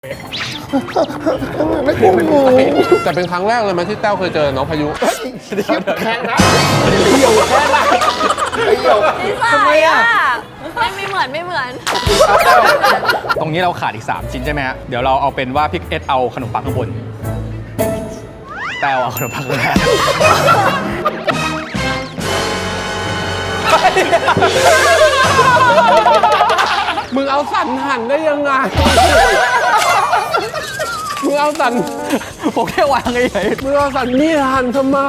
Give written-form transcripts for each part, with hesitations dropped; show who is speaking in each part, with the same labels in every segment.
Speaker 1: แต่เป็นครั้งแรกเลยมั้ยที่แต้วเคยเจอน้องพายุ
Speaker 2: แข่งนะเดี่ยวแค่ละเดี่ยว
Speaker 3: ทำไมอ่ะไม่เหมือน
Speaker 4: ตรงนี้เราขาดอีก3ชิ้นใช่ไหมฮะเดี๋ยวเราเอาเป็นว่าพี่เอสเอาขนมปังข้างบนแต้วเอาขนมปังข้างล่าง
Speaker 1: มึงเอาสันหั่นได้ยังไงมึงเอาสัน
Speaker 4: ผมแค่วางเฉย
Speaker 1: มึงเอาสันนี่หั่นทำไม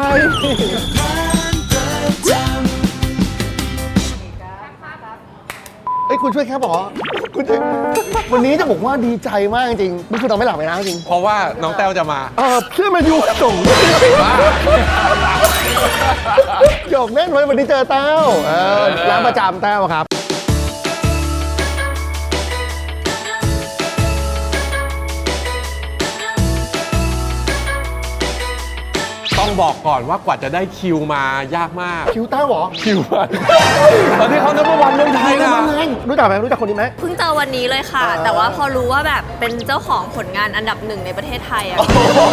Speaker 2: คุณช่วยแค่บอกคุณวันนี้จะบอกว่าดีใจมากจริงๆนี่คือตอนไม่หลับไปนะจริง
Speaker 1: เพราะว่าน้องแต้วจะมา
Speaker 2: เพื่อนมายูส่งหยอกเล่นไว้วันนี้เจอแต้วร้านประจำแต้วครับ
Speaker 1: ต้องบอกก่อนว่ากว่าจะได้คิวมายากมาก
Speaker 2: คิวแต้วเหรอ
Speaker 1: คิวมันตอนที่เขานับวันเมืองไทยนะ
Speaker 2: รู้จักไหมรู้จักคนนี้ไหม
Speaker 3: เพิ่งเจอวันนี้เลยค่ะแต่ว่าพอรู้ว่าแบบเป็นเจ้าของผลงานอันดับ1ในประเทศไทยอ่ะ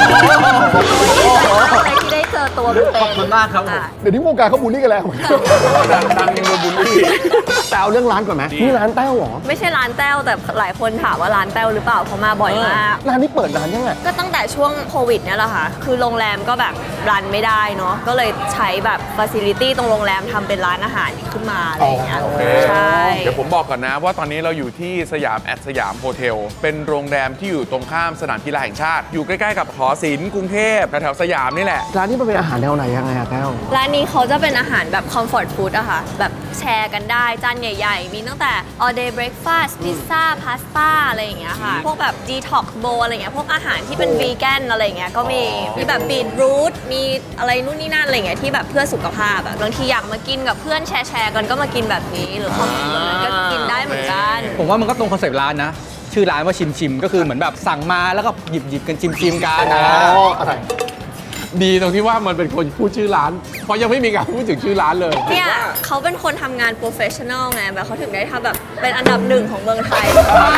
Speaker 3: ที่ได้เจอตัวเป็น
Speaker 4: ขอบคุณมากครับ
Speaker 2: เดี๋ยวนี้วงการเขาบูลลี่กันแล้ว
Speaker 1: ดังยังโดนบูลลี่
Speaker 2: แต่เอาเรื่องร้านก่อนไหมนี่ร้านแต้วเหรอ
Speaker 3: ไม่ใช่ร้านแต้วแต่หลายคนถามว่าร้านแต้วหรือเปล่าเพราะมาบ่อยมาก
Speaker 2: ร้านนี้เปิดนานยังไง
Speaker 3: ก็ตั้งแต่ช่วงโควิดเนี่ยแหละค่ะคือโรงแรมก็แบบรันไม่ได้เนาะก็เลยใช้แบบฟาซิลิตี้ตรงโรงแรมทำเป็นร้านอาหารขึ้นมาอะไรอย่างเงี้ยใช่
Speaker 5: เดี๋ยวผมบอกก่อนนะว่าตอนนี้เราอยู่ที่สยามสยามโฮเทลเป็นโรงแรมที่อยู่ตรงข้ามสนามกีฬาแห่งชาติอยู่ใกล้ๆกับหอศิลป์กรุงเทพแถวสยามนี่แหละ
Speaker 2: ร้านนี้มันเป็นอาหารแนวไหนยังไงอะแต้ว
Speaker 3: ร้านนี้เขาจะเป็นอาหารแบบคอมฟอร์ตฟู้ดอะค่ะแบบแชร์กันได้จานใหญ่ๆมีตั้งแต่ all day breakfast พิซซ่าพาสต้าอะไรอย่างเงี้ยค่ะพวกแบบ detox bowl อะไรเงี้ยพวกอาหารที่เป็นวีแกนอะไรเงี้ยก็มีแบบบีทรูทมีอะไรนู่นนี่นั่นอะไรเงี้ยที่แบบเพื่อสุขภาพอะบางทีอยากมากินกับเพื่อนแชร์กันก็มากินแบบนี้หรือคอมมูนก็กินได้เหมือนกัน
Speaker 4: ผมว่ามันก็ตรงคอนเซ็ปต์ร้านนะชื่อร้านว่าชิมก็คือเหมือนแบบสั่งมาแล้วก็หยิบกันชิมกัน
Speaker 2: อะไร
Speaker 1: ดีตรงที่ว่ามันเป็นคนพูดชื่อร้านเพราะยังไม่มีการพูดถึงชื่อร้านเลย
Speaker 3: เนี่ยเขาเป็นคนทำงานโปรเฟชชั่นอลไงแบบเขาถึงได้ทำแบบเป็นอันดับ1ของเมืองไทย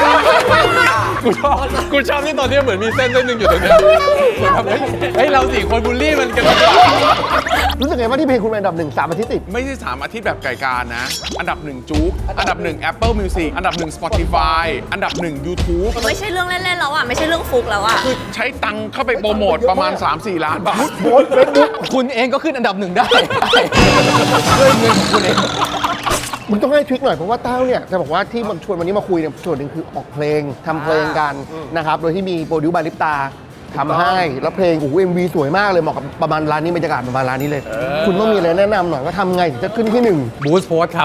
Speaker 1: กูชอบที่ตอนนี้เหมือนมีเส้นหนึ่งอยู่ตรงนี้เฮ้ยเรา4 คนบูลลี่มันกัน
Speaker 2: รู้สึกไงว่าที่เพลงคุณเป็นอันดับ1 3 อาทิตย์ติด
Speaker 5: ไม่ใช่3 อาทิตย์แบบไก่การนะอันดับ1จุ๊กอันดับ1 Apple Music อันดับ1 Spotify อันดับ1 YouTube
Speaker 3: ไม่ใช่เรื่องเล่นๆแล้วอ่ะไม่ใช่เรื่องฟุกแล้วอ่ะ
Speaker 5: คือใช้ตังค์เข้าไปโปรโมทประมาณ 3-4 ล้านบาท
Speaker 4: คุณเองก็ขึ้นอันดับ1ได้ด้วยเงินของคุณเอง
Speaker 2: มึงต้องให้ทริคหน่อยเพราะว่าแต้วเนี่ยจะบอกว่าที่ชวนวันนี้มาคุยเนี่ยส่วนหนึ่งคือออกเพลงทำเพลงกันนะครับโดยที่มีโปรดิวบาริปตาทำให้แล้วเพลงโอ้โห MV สวยมากเลยเหมาะกับประมาณร้านนี้บรรยากาศประมาณร้านนี้เลยคุณต้องมีอะไรแนะนำหน่อยว่าทำไงถึงจะขึ้นที่1
Speaker 4: บูสต์โพสครับ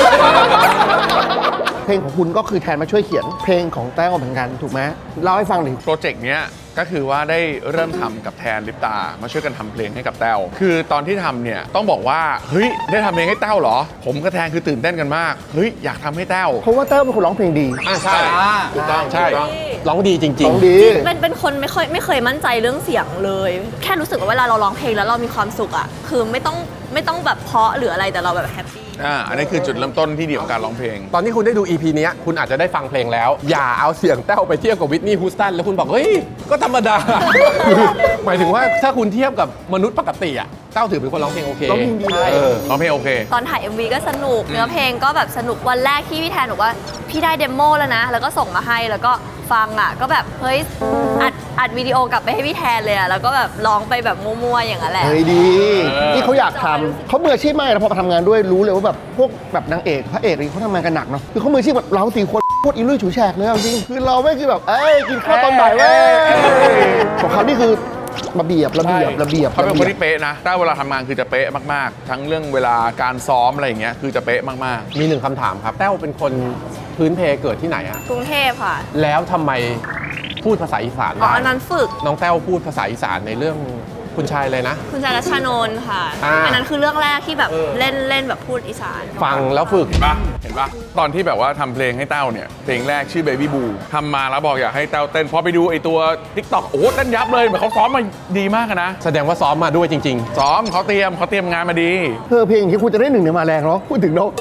Speaker 2: เพลงของคุณก็คือแทนมาช่วยเขียนเพลงของแต้วเหมือนกันถูกไหมเล่าให้ฟังดิ
Speaker 5: โปรเจกต์เนี้ยก็คือว่าได้เริ่มทำกับแทนลิปตามาช่วยกันทำเพลงให้กับแต้วคือตอนที่ทำเนี่ยต้องบอกว่าเฮ้ยได้ทำเพลงให้แต้วเหรอผมกับแทนคือตื่นเต้นกันมากเฮ้ยอยากทำให้แต้ว
Speaker 2: เพราะว่าแต้วเป็นคนร้องเพลงดี
Speaker 1: ใช่ถูกต้องใช่ร้องดีจริงๆ
Speaker 2: ร้องดี
Speaker 3: เป็นคนไม่เคยมั่นใจเรื่องเสียงเลยแค่รู้สึกว่าเวลาเราร้องเพลงแล้วเรามีความสุขอ่ะคือไม่ต้องแบบเพราะหรืออะไรแต่เราแบบแฮปปี้
Speaker 5: อันนี้คือจุดเริ่มต้นที่ดีของการร้องเพลง
Speaker 1: ตอนที่คุณได้ดู EP นี้คุณอาจจะได้ฟังเพลงแล้วอย่าเอาเสียงแต้วไปเทียบกับวิทนีย์ฮูสตันแล้วคุณบอกเฮ้ยก็ธรรมดาหมายถึงว่าถ้าคุณเทียบกับมนุษย์ปกติอ่ะแต้วถือเป็นคนร้องเพลงโอเค
Speaker 2: ร้องเพลงดี
Speaker 5: ร้องเพลงโอเค
Speaker 3: ตอนถ่าย MV ก็สนุกเนื้อเพลงก็แบบสนุกวันแรกที่พี่แทนบอกว่าพี่ได้เดโมแล้วนะแล้วก็ส่งมาให้แล้วก็ฟังอ่ะก็แบบเฮ้ยอัดวิดีโอกลับไปให้พี่แทนเลยอ่ะแล้วก็แบบร้องไปแบบมั่วๆอย่างนั้นแหละ
Speaker 2: เฮ้ยดีที่เขาอยากทำเขามืออาชีพมากแล้วพอมาทำงานด้วยรู้เลยว่าแบบพวกแบบนางเอกพระเอกอะไรเขาทำงานกันหนักเนาะคือเขามืออาชีพแบบเรา4 คนโคตรอีลุยฉุยแฉกเลยจริงคือเราไม่คือแบบกินข้าวตอนบ่ายเว้ยของเขานี่คือระเบียบ
Speaker 5: เขาเป็นคนที่เป๊ะนะถ้าเวลาทำงานคือจะเป๊ะมากๆทั้งเรื่องเวลาการซ้อมอะไรอย่างเงี้ยคือจะเป๊ะมาก
Speaker 1: ๆมี1 คำถามครับแต้วเป็นคนพื้นเพเกิดที่ไหนอะ
Speaker 3: กรุงเทพค่ะ
Speaker 1: แล้วทำไมพูดภาษาอีสานได้
Speaker 3: อันนั้นฝึก
Speaker 1: น้องแต้วพูดภาษาอีสานในเรื่องคุณชายเลยนะ
Speaker 3: คุณชายรัชนนท์ค่ะอันนั้นคือเรื่องแรกที่แบบเล่นแบบพูดอีสาน
Speaker 1: ฟังแล้วฝึก
Speaker 5: เห็นปะตอนที่แบบว่าทำเพลงให้แต้วเนี่ยเพลงแรกชื่อ Baby Boo ทำมาแล้วบอกอยากให้แต้วเต้นพอไปดูไอตัว TikTok โอ้เต้นยับเลยเหมือนเขาซ้อมมาดีมากนะ
Speaker 1: แสดงว่าซ้อมมาด้วยจริง
Speaker 5: ๆซ้อมเขาเตรียมงานมาดี
Speaker 2: เพลงที่คุณจะได้1เนี่ยมาแรงเนาะพูดถึงเนาะ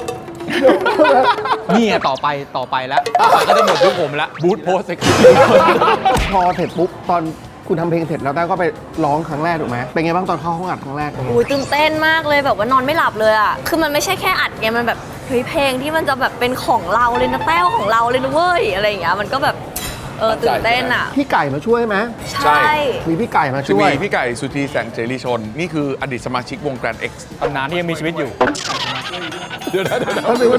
Speaker 4: นี่ไงต่อไปแล้วก็จะหมดยุคผมแล้ว
Speaker 1: บูธโพสเซ็ก
Speaker 2: พอเสร็จปุ๊บตอนคุณทำเพลงเสร็จแล้วแต้วก็ไปร้องครั้งแรกถูกไหมเป็นไงบ้างตอนเข้าห้องอัดครั้งแรก
Speaker 3: อุ้ยตื่นเต้นมากเลยแบบว่านอนไม่หลับเลยอ่ะ คือมันไม่ใช่แค่อัดไง มันแบบเฮ้ยเพลงที่มันจะแบบเป็นของเราเลยนะแต้วของเราเลยนะเว้ยอะไรอย่างเงี้ย มันก็แบบตื่นเต้นอ่ะ
Speaker 2: พี่ไก่มาช่วยไหม
Speaker 3: ใช่
Speaker 2: มีพี่ไก่มา
Speaker 5: จะ
Speaker 2: ช่ว
Speaker 5: มี
Speaker 2: ย
Speaker 5: พี่ไก่สุธีแสงเจริชน นี่คืออดีตสมาชิกวง Grand X
Speaker 4: ตำนานที่ยังมีชีวิตอยู่
Speaker 1: เดี๋ยวนะ
Speaker 2: มาถึง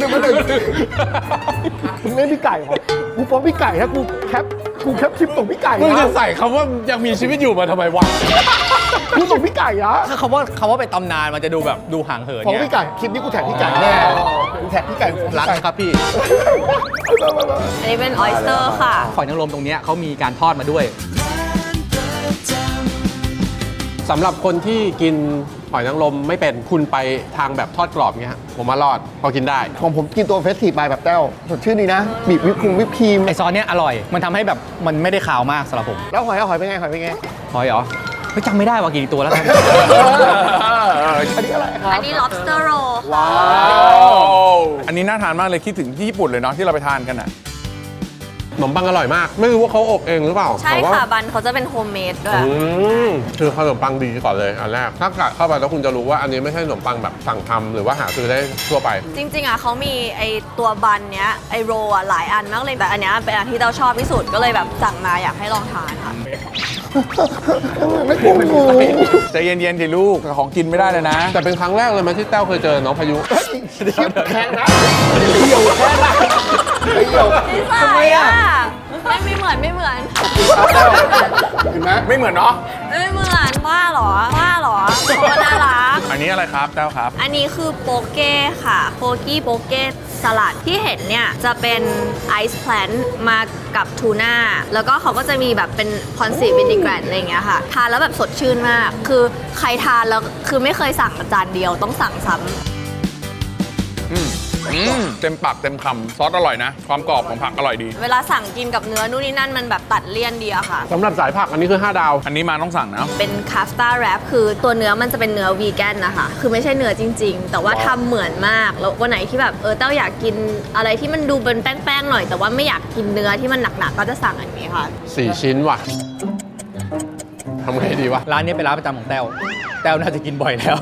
Speaker 2: มึงเล่นพี่ไก่เหรอกูฟ้องพี่ไก่ถ้ากูแคปคลิปส่งพี่ไก่
Speaker 1: มึงจะ
Speaker 2: นะ
Speaker 1: ใส่คำว่ายังมีชีวิตอยู่มาทำไมวะ
Speaker 2: กูส่งพี่ไก่นะ
Speaker 4: ถ้าคำว่าเป็นตำนานมันจะดูแบบดูห่างเหิน
Speaker 2: ฟ้อง
Speaker 4: เนี่ย
Speaker 2: พี่ไก่คลิปนี้กูแท็กพี่ไก่แน่กูแท็กพี่ไก่
Speaker 4: รักนะครับพี่
Speaker 3: อันนี้เป็นออยสเตอร์ค่ะ
Speaker 4: หอยนางรมตรงเนี้ยเขามีการทอดมาด้วย
Speaker 1: สำหรับคนที่กินหอยนางรมไม่เป็นคุณไปทางแบบทอดกรอบเงี้ยผมว่ารอดพอกินได้
Speaker 2: ของผมกินตัวเฟสทีฟไปแบบแต้วสดชื่นดีนะบีบวิปครีม
Speaker 4: ไอซอสเนี้ยอร่อย มันทำให้แบบมันไม่ได้ขาวมากสำหรับผม
Speaker 2: แล้วหอยเป็นไงหอยเป็นไง
Speaker 4: หอยเหรอไม่จำไม่ได้ว่ากี่ตัวแล้วครับ
Speaker 2: อันนี้อะไรครับ
Speaker 3: อันนี้ lobster roll
Speaker 2: ว้า
Speaker 5: อันนี้น่าทานมากเลยคิดถึงที่ญี่ปุ่นเลยเนาะที่เราไปทานกันอ่ะ
Speaker 1: ขนมปังอร่อยมาก ไม่รู้ว่าเขาอบเองหรือเปล่า
Speaker 3: ใช่
Speaker 1: แต่ว่า
Speaker 3: ค่ะ บันเขาจะเป็นโฮมเมดด้วย
Speaker 1: คือขนมปังดีก่อนเลยอันแรกถ้ากัดเข้าไปแล้วคุณจะรู้ว่าอันนี้ไม่ใช่ขนมปังแบบสั่งทำหรือว่าหาซื้อได้ทั่วไป
Speaker 3: จริงๆอ่ะเขามีไอตัวบันเนี้ยไอโรลอ่ะหลายอันมากเลยแต่อันเนี้ยเป็นอันที่เราชอบที่สุดก็เลยแบบสั่งมาอยากให้ลองทานค่ะ
Speaker 2: ไม่กลัวงู
Speaker 5: ใจเย็นๆสิลูกของกินไม่ได้เลยนะ
Speaker 1: แต่เป็นครั้งแรกเลยไหมที่แต้วเคยเจอน้องพายุ
Speaker 2: ชิบแค่นะเดี่ยวแค่นะเดี่ยว
Speaker 3: นิสัยอ่ะไม่เหมือน
Speaker 2: เห็นไหม
Speaker 5: ไม่เหมือนเนาะ
Speaker 3: ไม่เหมือนว่าเหรอเขาก็น่ารัก
Speaker 5: อันนี้อะไรครับแต้วครับ
Speaker 3: อันนี้คือโปเก้ค่ะโปกี้โปเก้สลัดที่เห็นเนี่ยจะเป็นไอซ์แพลนมากับทูน่าแล้วก็เขาก็จะมีแบบเป็นคอนซีวินิแกรนอะไรอย่างเงี้ยค่ะทานแล้วแบบสดชื่นมาก คือใครทานแล้วคือไม่เคยสั่งจานเดียวต้องสั่งซ้ำ
Speaker 5: เต็มปากเต็มคำซอสอร่อยนะ ความกรอบของผักอร่อยดี
Speaker 3: เวลาสั่งกินกับเนื้อนู่นนี่นั่นมันแบบตัดเลี่ยนดีอะค่ะ
Speaker 1: สำหรับสายผักอันนี้คือ 5 ดาว
Speaker 5: อันนี้มาต้องสั่งนะ
Speaker 3: เป็นคาสตาแรปคือตัวเนื้อมันจะเป็นเนื้อวีแกนนะคะ คือไม่ใช่เนื้อจริง ๆ แต่ว่าทำเหมือนมาก แล้ววันไหนที่แบบเต้าอยากกินอะไรที่มันดูเป็นแป้งๆหน่อย แต่ว่าไม่อยากกินเนื้อที่มันหนักๆก็จะสั่งอันนี้ค่ะ
Speaker 1: 4 ชิ้นว่ะทำไงดีวะ
Speaker 4: ร้านนี้เป็นร้านประจำของแต้วน่าจะกินบ่อยแล้ว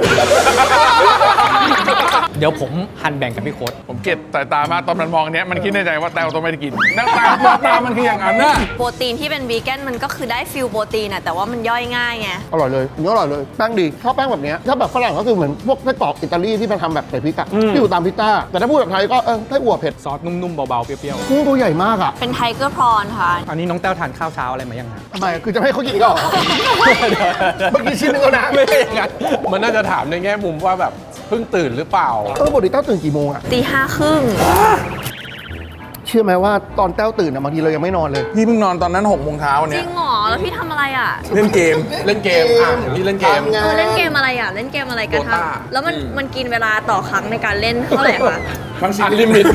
Speaker 4: เดี๋ยวผมหั่นแบ่งกับพี่โค้ด
Speaker 5: ผมเก็บสายตามากตอนมันมองอันเนี้ยมันคิดในใจว่าแต้วต้องไม่ได้กินหน้าตามันคืออย่างนั้นน่ะ
Speaker 3: โปรตีนที่เป็นวีแกนมันก็คือได้ฟิลโปรตีนอะแต่ว่ามันย่อยง่ายไง
Speaker 2: อร่อยเลยเนื้ออร่อยเลยแป้งดีชอบแป้งแบบเนี้ยถ้าแบบฝรั่งก็คือเหมือนพวกไส้กรอกอิตาลีที่มันทำแบบใส่พริกอะที่อยู่ตามพิซซ่าแต่ถ้าพูดแบบไทยก็ไส้อั่วเผ็ด
Speaker 4: ซอสนุ่มๆเบาๆเปรี้ยว
Speaker 2: กุ้งตัวใหญ่มากอะ
Speaker 3: เป็นไทเกอร์พรอนค่ะ
Speaker 4: ๆอันนี้น้องแต้วทานข้าวเช้าอะไรมายังฮะ
Speaker 2: ทำไมคือจะให้เขากินอีกเหรอ เมื่อกี้ชิ้นนึงแล้วนะ
Speaker 1: ไม่ใช่อย่างนั้นมันน่าจะถามในแง่มุมว่าแบบเพิ่งตื่นหรือเปล่า
Speaker 2: ปกติแต้วตื่นกี่โมงอะ
Speaker 3: 5:30
Speaker 2: เชื่อไหมว่าตอนแต้วตื่นอะบางทีเรายังไม่นอนเลย
Speaker 5: พี่เพิ่งนอนตอนนั้น6 โมงเช้า
Speaker 3: จ
Speaker 5: เนี่
Speaker 3: ริ
Speaker 5: ย
Speaker 3: งเหรอแล้วพี่ทำอะไรอะ
Speaker 5: เล่นเกม
Speaker 1: เล่นเกมพี่เล่นเกม
Speaker 2: ทำไง
Speaker 3: เล่นเกมอะไรอะเล่นเกมอะไรกัน
Speaker 1: Dota
Speaker 3: คะแล้วมันกินเวลาต่อครั้งในการเล่นเท่าไหร่คะ
Speaker 1: อันลิมิต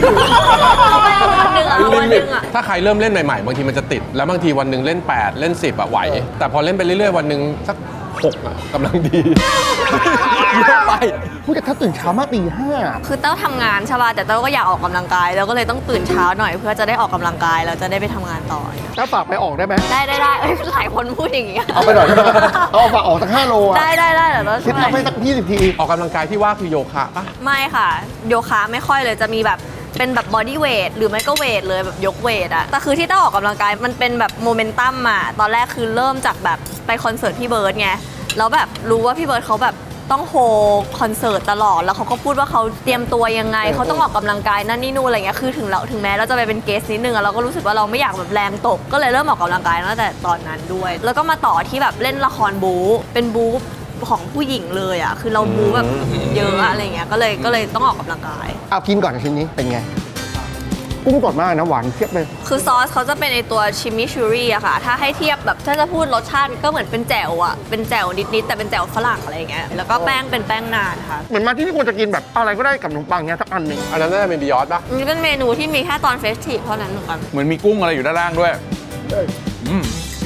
Speaker 3: วันหนึ่งอะ
Speaker 1: ถ้าใครเริ่มเล่นใหม่ๆ บางทีมันจะติด แล้วบางทีวันหนึ่งเล่น 8 เล่น 10อะไหว แต่พอเล่นไปเรื่อยๆ วันหนึ่งสัก 6อะกำลังดี
Speaker 4: เยอะไป
Speaker 2: พูดแต่ถ้าตื่นเช้ามากตีห้า
Speaker 3: คือเต้าทำงานใช่ป่ะแต่เต้าก็อยากออกกำลังกายแล้วก็เลยต้องตื่นเช้าหน่อยเพื่อจะได้ออกกำลังกายแล้วจะได้ไปทำงานต่อ
Speaker 2: แต้วฝากไปออกได้ไหม
Speaker 3: ได้เอ้ยหลายคนพูดอย่างงี้
Speaker 2: เอาไปหน่อยได้ไหมเอาฝากออกสัก5 โลอะ
Speaker 3: ได้เดี๋ยวเรา
Speaker 2: คิด
Speaker 3: ช่วย
Speaker 2: ทำให้สัก20 ที
Speaker 1: ออกกำลังกายที่ว่าคือโยคะปะ
Speaker 3: ไม่ค่ะ โยคะไม่ค่อยเลยจะมีแบบเป็นแบบบอดี้เวทหรือไม่ก็เวทเลยแบบยกเวทอะแต่คือที่เต้าออกกำลังกายมันเป็นแบบโมเมนตัมอะตอนแรกคือเริ่มจากแบบไปคอนเสิร์ตพี่เบิร์ดไงแล้วแบบรู้ว่าพี่เบิร์ดเขาแบบต้องโฮคอนเสิร์ตตลอดแล้วเขาก็พูดว่าเขาเตรียมตัวยังไงเขาต้องออกกำลังกายนั่นนี่นู่นอะไรเงี้ยคือถึงแม้เราจะไปเป็นเกสนิดนึงอะเราก็รู้สึกว่าเราไม่อยากแบบแรงตกก็เลยเริ่มออกกำลังกายตั้งแต่ตอนนั้นด้วย แล้วก็มาต่อที่แบบเล่นละครบู๊เป็นบู๊ของผู้หญิงเลยอะคือเราบู๊แบบเยอะอะอะไรเงี้ยก็เลยต้องออกกำลังกาย
Speaker 2: เอากินก่อนชิ้นนี้เป็นไง กุ้งสดมากนะหวานเทียบเลย
Speaker 3: คือซอสเขาจะเป็นในตัวชิมิชูรี่อะค่ะ ถ้าให้เทียบแบบถ้าจะพูดรสชาติก็เหมือนเป็นแจ่วอะเป็นแจ่วนิดๆแต่เป็นแจ่วฝรั่งอะไรอย่างเงี้ย แล้วก็แป้งเป็นแป้งนานค่ะ
Speaker 2: เหมือนมาที่นี่ควรจะกินแบบอะไรก็ได้กับขนมปังเนี้ยสักอันหนึ่ง
Speaker 1: อันนั้นน่าจะเป็นบิยอสปะ
Speaker 3: นี่เป็นเมนูที่มีแค่ตอนเฟสทีฟเท่านั้นเหมือนกัน
Speaker 5: เหมือนมีกุ้งอะไรอยู่ด้านล่างด้วย อืม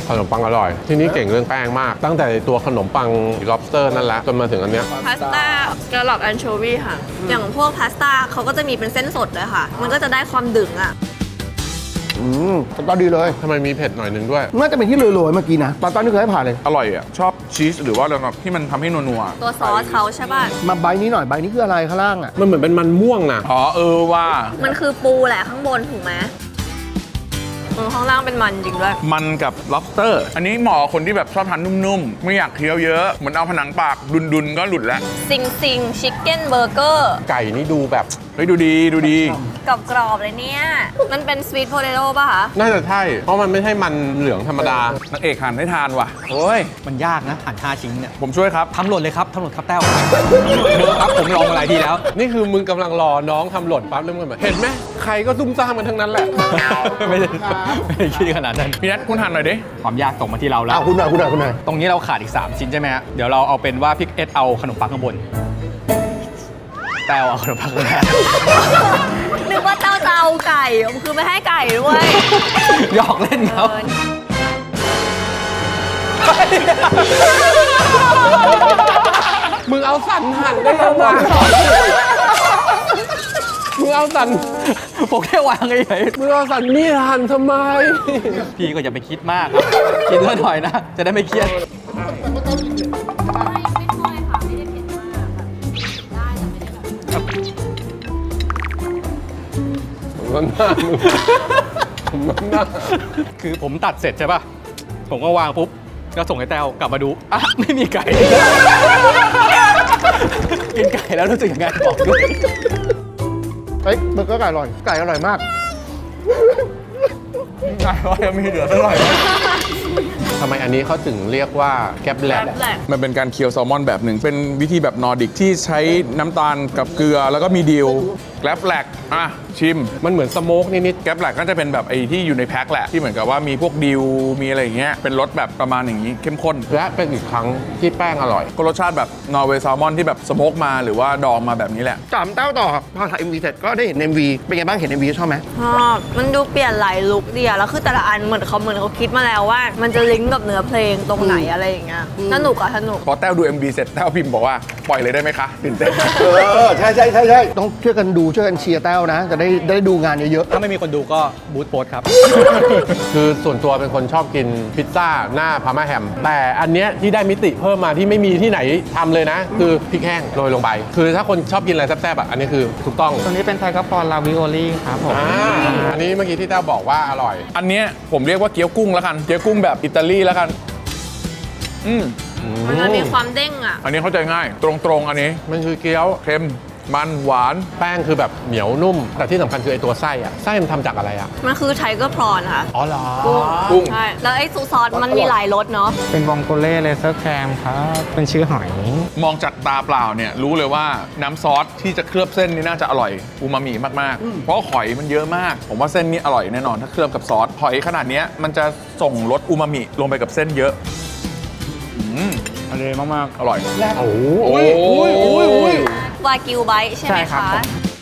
Speaker 1: ขนมปังอร่อย ที่นี่เก่งเรื่องแป้งมาก ตั้งแต่ตัวขนมปัง lobster นั่นแหละจนมาถึงอันเนี้ย
Speaker 3: พาสต้าแกลล็อกแอนโชวีค่ะ อย่างพวกพาสต้าเขาก็จะมีเป็นเส้นสดเลยค่ะ มันก็จะได้ความดึงอ่ะ
Speaker 2: ตอนดีเลย
Speaker 1: ทำไมมีเผ็ดหน่อยนึงด้วย
Speaker 2: น่าจะเป็นที่โรยๆเมื่อกี้นะตอนนี้เคยให้ผ่านเลย
Speaker 5: อร่อยอ่ะ ชอบชีสหรือว่าอะไรแบบที่มันทำให้นัว
Speaker 3: ตัวซอสเขาใช่ป่ะ
Speaker 2: มาใบนี้หน่อยใบนี้คืออะไรข้างล่างอ่ะ
Speaker 1: มันเหมือนเป็นมันม่วงนะ
Speaker 5: ๆอ๋อว่า
Speaker 3: มันคือปูแหละข้างบนถูกไหมข้างล่างเป็นมันจริงด้วย
Speaker 5: มันกับ lobster อันนี้เหมาะกับคนที่แบบชอบทานนุ่มๆ ไม่อยากเคี้ยวเยอะ เหมือนเอาผนังปากดุนๆ ก็หลุดแล้ว
Speaker 3: ซิงซิงชิคเก้นเบอร์เกอร์
Speaker 1: ไก่นี่ดูแบบ
Speaker 5: เฮ้ยดูดี
Speaker 3: กรอบๆเลยเนี่ย มันเป็นสวีทโพเตโต้ป่ะคะ
Speaker 1: น่าจะใช่ เพราะมันไม่ใช่มันเหลืองธรรมดา
Speaker 5: นางเอกหันให้ทานว่ะ โอ้ย
Speaker 4: มันยากนะหั่น5ชิ้นเนี่ย
Speaker 5: ผมช่วยครับ
Speaker 4: ทำหล่นเลยครับทำหล่นครับแต้วเยอะครับผมลองมาหลายทีแล้ว
Speaker 1: นี่คือมึงกำลังรอน้องทำหล่นปั๊บแล้วมึงแบบเห็นไหมใครก็ซุ่มซ่ามกันทั้งนั้นแหละ
Speaker 4: ไม่ได้คิดขนาดนั้น
Speaker 5: พี่นัทคุณหันหน่อยดิ
Speaker 4: ความยากตกมาที่เราแล้ว
Speaker 2: คุณหน่อย
Speaker 4: ตรงนี้เราขาดอีก 3 ชิ้นใช่ไหมฮะ เดี๋ยวเราเอาเป็นว่าพี่เอสเอาขนมปังข้างบน แต้วเอาขนมปังข้างล่าง
Speaker 3: นึกว่าเต้าเตาไก่คือไม่ให้ไก่ด้วย
Speaker 4: หยอกเล่นครับ
Speaker 1: มึงเอาสันหั่นได้ยังไงมึงเอาสัน
Speaker 4: ผมแค่วางเฉย
Speaker 1: มึงเอาสันนี่หั่นทำไม
Speaker 4: ๆพี่ก็อย่าไปคิดมากครับ คิดเยอะหน่อยนะ จะได้ไม่เครียด
Speaker 1: มันหน้ามึงมันหน้า
Speaker 4: คือผมตัดเสร็จใช่ป่ะ ผมก็วางปุ๊บ ก็ส่งให้แต้วกลับมาดูอ่ะไม่มีไก่ กินไก่แล้วรู้สึกยังไงบอกด้วย
Speaker 2: เฮ้ยเบอร์เกอร์ไก่อร่อยมาก
Speaker 5: มีเหลือเท่าไหร่
Speaker 1: ทำไมอันนี้เขาถึงเรียกว่าแกบแลบ
Speaker 5: มันเป็นการเคี่ยวแซลมอนแบบหนึ่ง เป็นวิธีแบบนอร์ดิกที่ใช้น้ำตาลกับเกลือแล้วก็มีดิวแกลบแลกอ่ะ ชิม
Speaker 1: มันเหมือนสโมกนิด
Speaker 5: แกลบแลกก็จะเป็นแบบไอ้ที่อยู่ในแพ็คแหละ ที่เหมือนกับว่ามีพวกดิวมีอะไรอย่างเงี้ยเป็นรสแบบประมาณอย่างนี้เข้มข้น
Speaker 1: ๆและเป็นอีกครั้งที่แป้งอร่อย
Speaker 5: ก็รสชาติแบบนอร์เวย์แซลมอนที่แบบสโมกมาหรือว่าดองมาแบบนี้แหละ
Speaker 2: ถามเต้าต่อครับพอถ่าย MV เสร็จก็ได้เห็น MV เป็นไงบ้างเห็น MV ชอบไหม
Speaker 3: ชอบมันดูเปลี่ยนหลายลุคดีอะแล้วคือแต่ละอันเหมือนเขาคิดมาแล้วว่า มันจะลิงก์กับเนื้อเพลงตรงไหนอะไรอย่างเงี้ยสนุกอะสนุก
Speaker 5: พอแต้วดู MV เสร็จแต้วพิมพ์บอกว่าปล่อยเลยได้ไหมคะตื่นเต้น
Speaker 2: ใช่ต้องช่วยกันดูช่วยกันเชียร์แต้วนะ จะได้ดูงานเยอะ
Speaker 4: ถ้าไม่มีคนดูก็บูธโพสครับ
Speaker 1: คือส่วนตัวเป็นคนชอบกินพิซซ่าหน้าพาร์มาแฮม แต่อันเนี้ยที่ได้มิติเพิ่มมาที่ไม่มีที่ไหนทำเลยนะ คือพริกแห้งโรยลงไป คือถ้าคนชอบกินอะไรแซ่บๆอ่ะอันนี้คือถูกต้อง
Speaker 6: ตัวนี้เป็นไทกาฟอนลาวิโอลี่ครับผม
Speaker 1: อันนี้เมื่อกี้ที่เต้าบอกว่าอร่อย
Speaker 5: อันเนี้ยผมเรียกว่าเกี๊ยวกุ้งแล้วกัน เกี๊ยวกุ้งแบบอิตาลีแล้วกัน
Speaker 3: มันจะมีความเด้งอะ
Speaker 5: อันนี้เข้าใจง่าย ตรงๆอันนี้
Speaker 1: มันคือเกี๊ยว
Speaker 5: เค็มมันหวาน
Speaker 1: แป้งคือแบบเหนียวนุ่ม แต่ที่สำคัญคือไอตัวไส้อะไส้มันทำจากอะไรอะ
Speaker 3: มันคือไทเกอร์พรอนค่ะ
Speaker 1: อ๋อเหรอ
Speaker 5: กุ้ง
Speaker 3: ใช่ แล้วไอ้ซอสมันมีหลายรสเนาะ
Speaker 6: เป็นวองโกเล่เลเซอร์แคมครับ เป็นชื่อหอย
Speaker 5: มองจากตาเปล่าเนี่ยรู้เลยว่าน้ำซอสที่จะเคลือบเส้นนี่น่าจะอร่อยอูมามิมากๆ เพราะหอยมันเยอะมาก ผมว่าเส้นนี้อร่อยแน่นอนถ้าเคลือบกับซอสหอยขนาดเนี้ยมันจะส่งรสอูมามิลงไปกับเส้นเยอะอร่อยมากๆอร่อย
Speaker 1: โอ้โห
Speaker 5: โอ้ย
Speaker 3: วากิวไบท์ใช่ไหม
Speaker 6: ใช่ครับ
Speaker 3: คะ
Speaker 6: ผม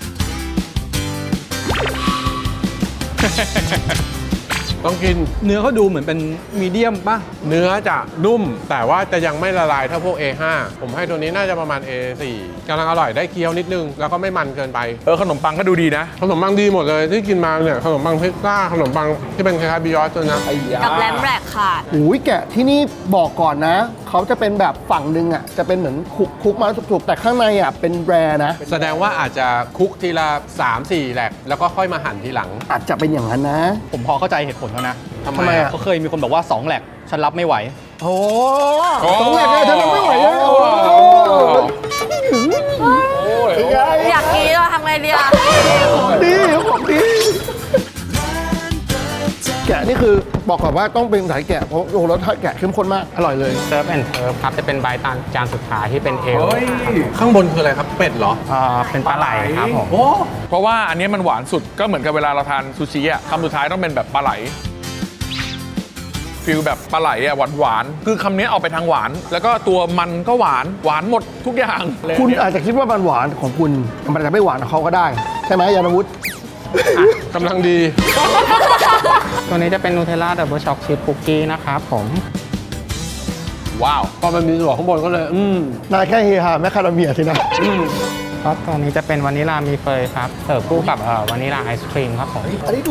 Speaker 1: ต้องกิน
Speaker 4: เนื้อเขาดูเหมือนเป็นมีเดียมป่ะ
Speaker 1: เนื้อจะนุ่ม แต่ว่าจะยังไม่ละลายเท่าพวก A5 ผมให้ตัวนี้น่าจะประมาณ A4 กำลังอร่อยได้เคี้ยวนิดนึง แล้วก็ไม่มันเกินไป
Speaker 5: ขนมปังก็ดูดีนะ
Speaker 1: ขนมปังดีหมดเลยที่กินมาเนี่ยขนมปังพิซซ่าขนมปังที่เป็นคล้ายๆบิยอสตัวนะ
Speaker 3: กับแรมแรกค่ะ
Speaker 2: ๆอุ้ยแกะที่นี่บอกก่อนนะ เขาจะเป็นแบบฝั่งหนึ่งอ่ะจะเป็นเหมือนคุกมาแล้วสุกๆแต่ข้างในอ่ะเป็นแรนะ
Speaker 1: แสดงว่าอาจจะคุกทีละ 3-4 แหลกแล้วก็ค่อยมาหั่นทีหลัง
Speaker 2: อาจจะเป็นอย่างนั้นนะ
Speaker 4: ผมพอเข้าใจเหตุผลแล้วนะ
Speaker 1: ทำไม
Speaker 2: ทำไม
Speaker 1: อะ
Speaker 2: อะ
Speaker 4: เขาเคยมีคนบอกว่า 2 แหลกฉันรับไม่ไหว
Speaker 2: โอ้ต้องแรกเลยฉันไม่ไหวแล้ว
Speaker 3: อยากกินเราทำไงดีอะ
Speaker 2: ของดีแกะนี่คือบอกก่อนว่าต้องเป็นสายแกะเพราะโอ้โหรสชาติแกะเข้มข้นมากอร่อยเลย
Speaker 6: เซิร์ฟแอนด์เทิร์ฟครับ จะเป็นใบตานจานสุดท้ายที่เป็นเอล
Speaker 1: ข้างบนคืออะไรครับ เป็ดเหรอ
Speaker 6: เป็นปลาไหลครับผม
Speaker 5: เพราะว่าอันนี้มันหวานสุดก็เหมือนกับเวลาเราทานซูชิอ่ะคำสุดท้ายต้องเป็นแบบปลาไหลฟิลแบบปลาไหลอ่ะหวานๆคือคำนี้ออกไปทางหวาน แล้วก็ตัวมันก็หวานหมดทุกอย่าง
Speaker 2: คุณอาจจะคิดว่ามันหวานของคุณมันอาจจะไม่หวานของเขาก็ได้ ใช่ไหมยานวุฒิ
Speaker 1: กำลังดี
Speaker 6: ตัวนี้จะเป็นนูเทลล่าดับเบิลช็อกชิพคุกกี้นะครับผม
Speaker 5: ว้าว
Speaker 1: พอมันมีส่วนข้างบนก็เลย
Speaker 2: นายแค่เฮฮาแมคคาเดเมียสินะ
Speaker 6: ครับตัวนี้จะเป็นวานิลามีเฟยครับเสิร์ฟคู่กับวานิลาไอศครีมครับผม
Speaker 2: อันนี้ดู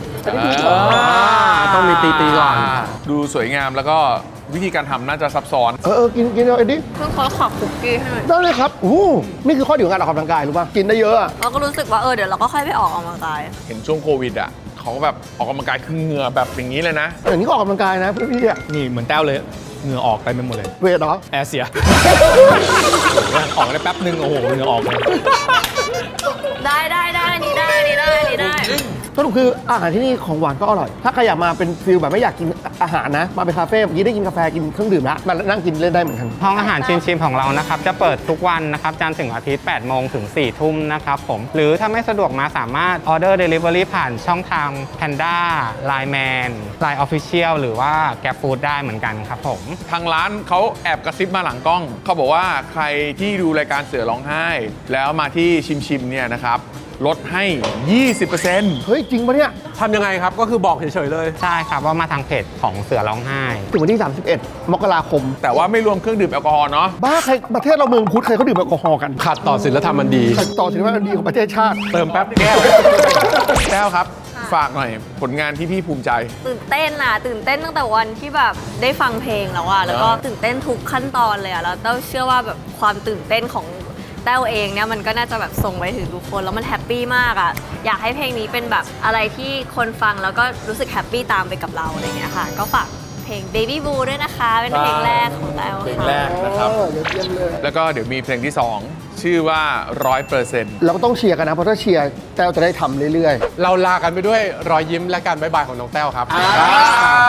Speaker 1: ต้องมีตีก่อน
Speaker 5: ดูสวยงามแล้วก็วิธีการทำน่าจะซับซ้อน
Speaker 2: กินเอาเอ็ดดี้
Speaker 3: เพิ่งขอขอบคุกกี้ให้หน่อย
Speaker 2: ได้เลยครับนี่คือข้อดีของการออกกำลังกายรู้ป่ะกินได้เยอะอะ
Speaker 3: เราก็รู้สึกว่าเดี๋ยวเราก็ค่อยไปออกกำลังกาย
Speaker 5: เห็นช่วงโควิดอ่ะเขาก็แบบออกกำลังกายคือเหงื่อแบบอย่างนี้เลยนะ
Speaker 2: อย่างนี้ก็ออกกำลังกายนะพี่อะ
Speaker 4: นี่เหมือนแต้วเลย เหงื่อออกไปหมดเลย
Speaker 2: เวทเหรอ
Speaker 4: แอร์เสีย ออกได้แป๊บนึง โอ้โห เหงื่อออกเลย
Speaker 3: ได้นี่ได้
Speaker 2: สรุปคืออาหารที่นี่ของหวานก็อร่อย ถ้าใครอยากมาเป็นฟิลแบบไม่อยากกินอาหารนะ มาเป็นคาเฟ่เมื่อกี้ได้กินกาแฟกินเครื่องดื่มละมานั่งกินเล่นได้เหมือนกัน
Speaker 6: ห้องอาหารชิมๆของเรานะครับจะเปิดทุกวันนะครับจันทร์ถึงอาทิตย์ 8 โมงถึง 4 ทุ่มนะครับผม หรือถ้าไม่สะดวกมาสามารถออเดอร์เดลิเวอรี่ผ่านช่องทาง Panda Line Man Line Official หรือว่า Grab Food ได้เหมือนกันครับผม
Speaker 5: ทางร้านเขาแอบกระซิบมาหลังกล้อง เขาบอกว่าใครที่ดูรายการเสือร้องไห้ แล้วมาที่ชิมเนี่ยนะครับลดให้ 20%
Speaker 2: เฮ้ย จริงปะเนี่ย
Speaker 1: ทำยังไงครับ ก็คือบอกเฉยๆเลย
Speaker 6: ใช่ครับว่ามาทางเพจของเสือร้องไห้
Speaker 2: ถึงวันที่ 31 มกราคม
Speaker 5: แต่ว่าไม่รวมเครื่องดื่มแอลกอฮอล์เนาะ
Speaker 2: บ้าใครประเทศเราเมืองพุทธใครเขาดื่มแอลกอฮอล์กัน
Speaker 1: ขัดต่อศีลธรรมอันดี
Speaker 2: ต่อสินว่าดีของประเทศชาติ
Speaker 1: เติมแป๊บแก้ว
Speaker 5: แก้วครับ ฝากหน่อยผลงานที่พี่ภูมิใจ
Speaker 3: ตื่นเต้นตั้งแต่วันที่แบบได้ฟังเพลงแล้วอะแล้วก็ตื่นเต้นทุกขั้นตอนเลยอะแล้วเต้าเชื่อว่าแบบความตื่นเต้นของแต้วเองเนี่ยมันก็น่าจะแบบส่งไปถึงทุกคนแล้วมันแฮปปี้มากอะอยากให้เพลงนี้เป็นแบบอะไรที่คนฟังแล้วก็รู้สึกแฮปปี้ตามไปกับเราอะไรอย่างเงี้ยค่ะก็ฝากเพลง Baby Blue ด้วยนะคะเป็นเพลงแรกของแต้ว
Speaker 5: เพลง
Speaker 3: ค่ะ
Speaker 5: แรกนะครับ
Speaker 2: เดี๋ยวเยี่ยมเลย
Speaker 5: แล้วก็เดี๋ยวมีเพลงที่ 2 ชื่อว่า 100%
Speaker 2: เราก็ต้องเชียร์กันนะ เพราะถ้าเชียร์แต้วจะได้ทำเรื่อย
Speaker 1: เราลากันไปด้วยรอยยิ้มและการบ๊ายบายของน้องแต้วครับ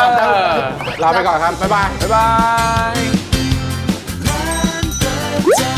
Speaker 1: ลาไปก่อนครับ บ๊ายบาย
Speaker 5: บ๊ายบาย